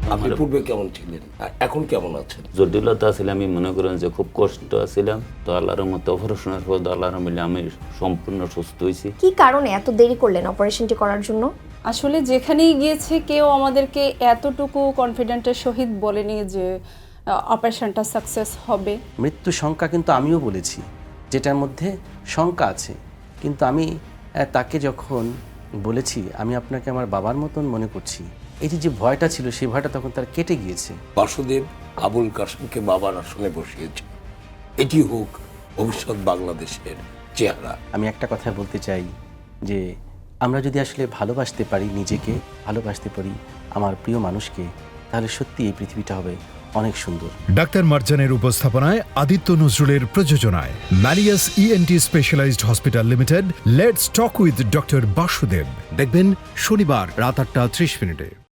আপনি পূর্বে কেমন ছিলেন, এখন কেমন আছেন? জটিলতা ছিল, আমি মনে করেন যে খুব কষ্ট ছিলাম। তো আল্লাহর মতো অপারেশনের পর আল্লাহর মিলে আমি সম্পূর্ণ সুস্থ হয়েছি। কি কারণে এত দেরি করলেন অপারেশনটি করার জন্য? আসলে যেখানেই গিয়েছে কেউ আমাদেরকে এতটুকু কনফিডেন্টের সহিত বলেনি যে অপারেশনটা সাকসেস হবে। মৃত্যু শঙ্কা কিন্তু আমিও বলেছি, যেটার মধ্যে শঙ্কা আছে। কিন্তু আমি তাকে যখন বলেছি আমি আপনাকে আমার বাবার মতন মনে করছি, এই যে ভয়টা ছিল সেই ভয়টা তখন তার কেটে গিয়েছে। বাসুদেব আবুল কাসেমকে বাবার আসনে বসিয়েছে। এটি হোক ভবিষ্যৎ বাংলাদেশের চেহারা। আমি একটা কথা বলতে চাই যে আমরা যদি আসলে ভালোবাসতে পারি, নিজেকে ভালোবাসতে পারি, আমার প্রিয় মানুষকে, তাহলে সত্যি এই পৃথিবীটা হবে অনেক সুন্দর। ডাক্তার মার্জানের উপস্থাপনায় আদিত্য নজরুলের প্রযোজনায় Malleus ENT specialized hospital limited let's talk with doctor Basudeb দেখবেন শনিবার রাত 8:30 মিনিটে।